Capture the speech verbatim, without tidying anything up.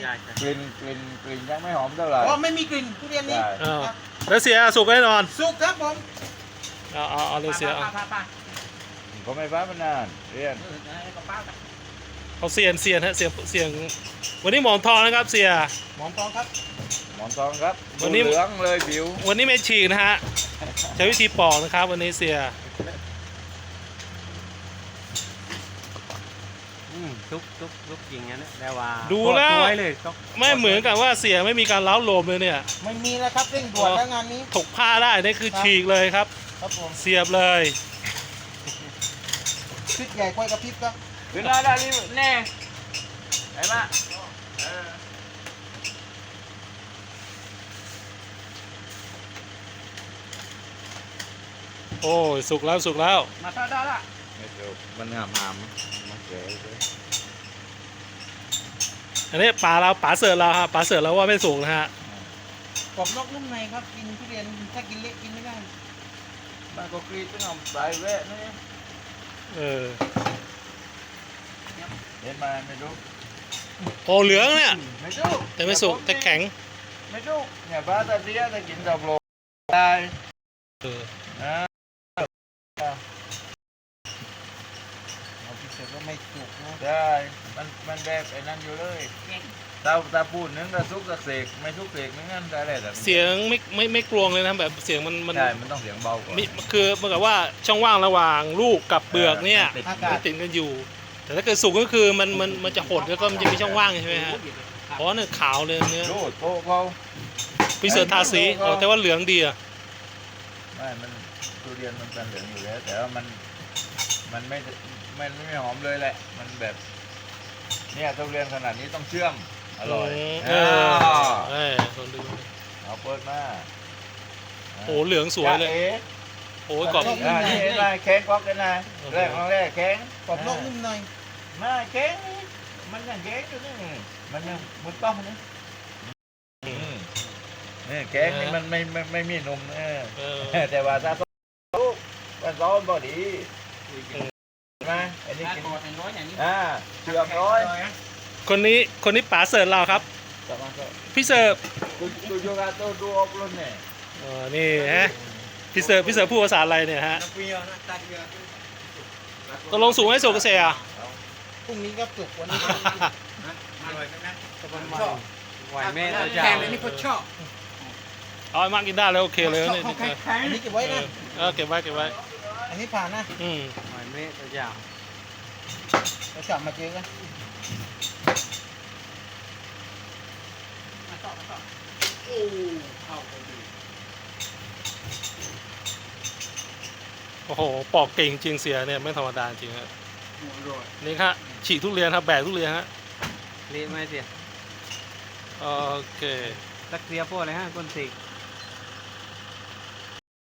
ช่ใช่กลิ่นกลิ่นกลิ่นยังไม่หอมเท่าไหร่อ๋อไม่มีกลิ่นทุเรียนนี้ใช่เออแล้วเสียสุกแน่นอนสุกครับผมเอาเอาเอาเลยเสียเอาป้าป้าป้าเขาไม่ฟ้ามานานเรียนเออให้ป้าป้าเอาเสียนเสียนฮะเสียงเสียงวันนี้หมอนทองนะครับเสียหมอนทองครับหมอนทองครับวันนี้เหลืองเลยผิววันนี้ไม่ฉีกนะฮะใช้วิธีปอกนะครับ วันนี้เสียอืมซุกซุกซุกจริงงั้นนะแต่ว่าดูแล้วไว้เลยก็ไม่เหมือนกับว่าเสียไม่มีการเล้าโลมเลยเนี่ยไม่มีแล้วครับเร่งด่วนแล้วงานนี้ถกผ้าได้นี่คือฉีกเลยครับครับผมเสียบเลยพริกใหญ่กล้วยกระพริบครับขึ้นได้ได้นี่แน่ไอ้มาเออโอ้ยสุกแล้วสุกแล้วมาท่าได้ละไม่ถูกมันงามหามมันเก๋เลยอันนี้ป่าเราป่าเสิร์ฟเราครับป่าเสิร์ฟเราว่าไม่สุกนะฮะกรอบนอกนุ่มในครับกินทุเรียนถ้ากินเละกินไม่ได้มันก็กรีดต้องเอาสายแวะนี่เออเห็นมาไม่รู้โอ้เหลืองเนี่ยไม่รู้แต่ไม่สุกแต่แข็งไม่รู้เนี่ยบ้าตาเดียจะกินดอกโลได้เออนะเราพิเศษก็ไม่สุกนะได้มันมันแบบไอ้นั่นอยู่เลยตาตาปูนนึงตาซุกตาเสกไม่ซุกเสกนึงนั่นได้แหละแต่เสียงไม่ไม่ไม่กลวงเลยนะแบบเสียงมันมันใช่มันต้องเสียงเบากว่ามิคือเหมือนกับว่าช่องว่างระหว่างลูกกับเปลือกเนี่ยติดอากามัศนติดกันอยู่ แต่ถ้าเกิดสุกก็คือมันมันมันจะหดแล้วก็มันจะมีช่องว่างใช่ไหมฮะเพราะเนี่ยขาวเลยเนื้อรูดโต๊ะเขาพิเศษทาสีอ๋อแต่ว่าเหลืองดีอ่ะไม่มันทุเรียนมันเป็นเหลืองอยู่แล้วแต่ว่ามันมันไม่มันไม่หอมเลยแหละมันแบบเนี่ยทุเรียนขนาดนี้ต้องเชื่อมอร่อยเออ่าอเออลองดูเอาเปิดมาโอ้เหลืองสวยเลยจ๊ะอ๋โอ้ยกรอบอ่านี่เห็นไหมแข็งกอกกันนะแรกของแรกแข็งกรอบนอกนุ่มในมาแข็งมันยังแข็งอยู่นี่มันยังมุดป้อมนี่อืมนี่แข็งนี่มันไม่ไม่ไม่มีนมเออเออแต่ว่าถ้าต้มลูกมันร้อนบ่ดีใช่ไหมอันนี้ถ้ากินกอดเป็นร้อยอย่างนี้อ่าเชือกร้อยคนนี้คนนี้ป๋าเสิร์ฟเราครับกลับมาก็พี่เสิร์ฟดูดูโยกาโตดูออกรุ่นเนี่ยอ๋อนี่ฮะพี่เสิร์ฟพี่เสิร์ฟพูดภาษาอะไรเนี่ยฮะนักเรียนนะตัดเรือตกลงสูงให้สุกเกษตรอ่ะพรุ่งนี้ก็สุกวันนี้อร่อยใช่ไหมก็ประมาณไหวแม่เราจะแกงอันนี้ก็ชอบเอาไอ้มากกินได้แล้วโอเคเลยนี่ของแข็งอันนี้เก็บไว้นะเออเก็บไว้เก็บไว้อันนี้ผ่านนะอืมไหวแม่เราจะเราจับมาเจอกันโอ้โหปอกเก่งจริงเสียเนี่ยไม่ธรรมดาจริงฮะนี่ครับฉีกทุเรียนครับแบกทุเรียนฮะเละไหมเสียโอเคตักเสียพวกอะไรฮะก้นสิก